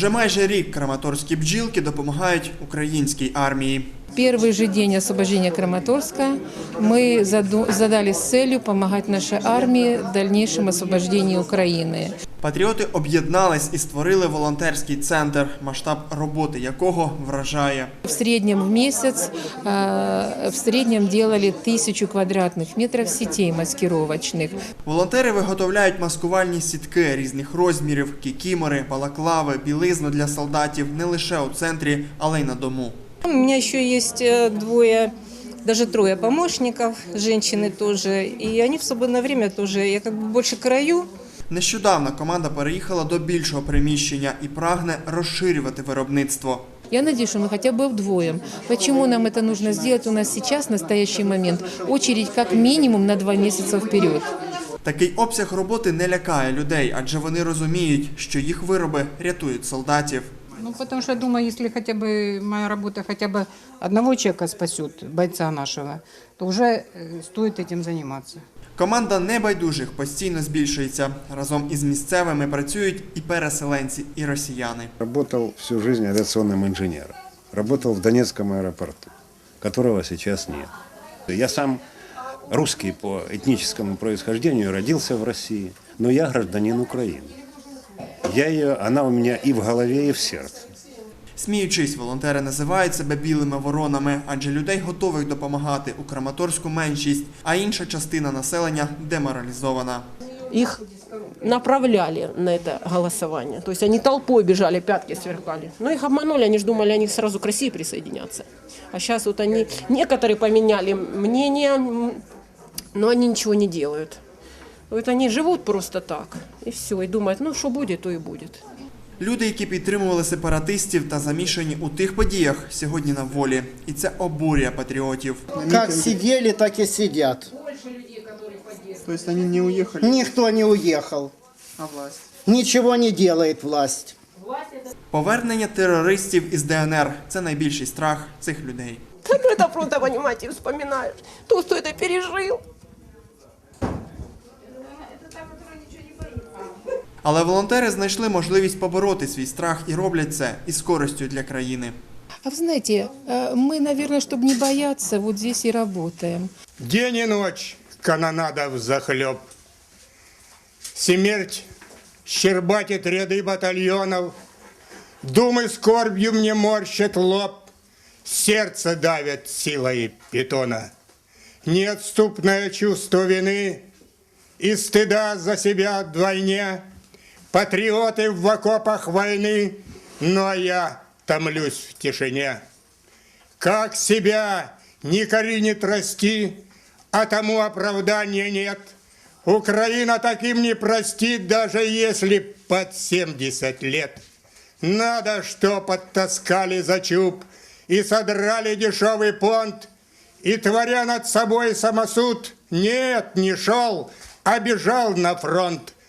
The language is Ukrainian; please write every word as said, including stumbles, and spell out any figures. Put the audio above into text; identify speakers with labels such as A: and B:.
A: Уже майже рік краматорські бджілки допомагають українській армії.
B: Первый же день освобождения Краматорска мы задали с целью помогать нашей армии в дальнейшем освобождении Украины.
A: Патріоти об'єднались і створили волонтерський центр, масштаб роботи якого вражає.
B: В среднем в месяц в среднем делали тысячу квадратных метров сетей маскировочных.
A: Волонтери виготовляють маскувальні сітки різних розмірів, кікімори, балаклави, білизну для солдатів не лише у центрі, але й на дому.
C: У меня еще есть двое, даже трое помощников, женщины тоже, и они в свободное время тоже, я как бы больше краю.
A: Нещодавно команда переїхала до більшого приміщення і прагне розширювати виробництво.
B: Я надеюсь, что мы хотя бы вдвоем. Почему нам это нужно сделать? У нас сейчас, в настоящий момент, очередь как минимум на два месяца вперед.
A: Такий обсяг роботи не лякає людей, адже вони розуміють, що їх вироби рятують солдатів.
D: Ну, потому что я думаю, если хотя бы моя работа хотя бы одного человека спасет, бойца нашего, то уже стоит этим заниматься.
A: Команда небайдужих постійно збільшується. Разом із місцевими працюють і переселенці, і росіяни.
E: Работал всю жизнь авиационным инженером. Работал в Донецком аэропорту, которого сейчас нет. Я сам русский по этническому происхождению, родился в России, но я гражданин Украины. Я ее, она у меня и в голове, и в сердце.
A: Сміючись, волонтери називають себе білими воронами, адже людей готових допомагати у Краматорську меншість, а інша частина населення деморалізована.
F: Их направляли на это голосование. То есть они толпой бежали, пятки сверкали. Но их обманули, они же думали, они сразу к России присоединятся. А сейчас вот они, некоторые поменяли мнение, но они ничего не делают. Вот они живут просто так, и все, и думают, ну что будет, то и будет.
A: Люди, які підтримували сепаратистів та замішані у тих подіях, сьогодні на волі. І це обурює патріотів.
G: Как сидели, так и сидят.
A: То есть они не уехали?
G: Никто не уехал.
A: А власть?
G: Ничего не делает власть.
A: Повернення терористів із Де Ен Ер – це найбільший страх цих людей.
F: Как это просто, понимаете, вспоминаешь, то, кто это пережил.
A: Але волонтери знайшли можливість побороти свій страх і роблять це із користю для країни.
B: А вы знаете, мы, наверное, чтобы не бояться, вот здесь и работаем.
H: День и ночь канонада взахлеб. Смерть щербатит ряды батальонов, думы скорбью мне морщат лоб, сердце давит силой питона. Неотступное чувство вины и стыда за себя вдвойне. Патриоты в окопах войны, но я томлюсь в тишине. Как себя не коренит расти, а тому оправдания нет. Украина таким не простит, даже если под семьдесят лет. Надо, что подтаскали за чуб и содрали дешевый понт, и, творя над собой самосуд, нет, не шел, а бежал на фронт.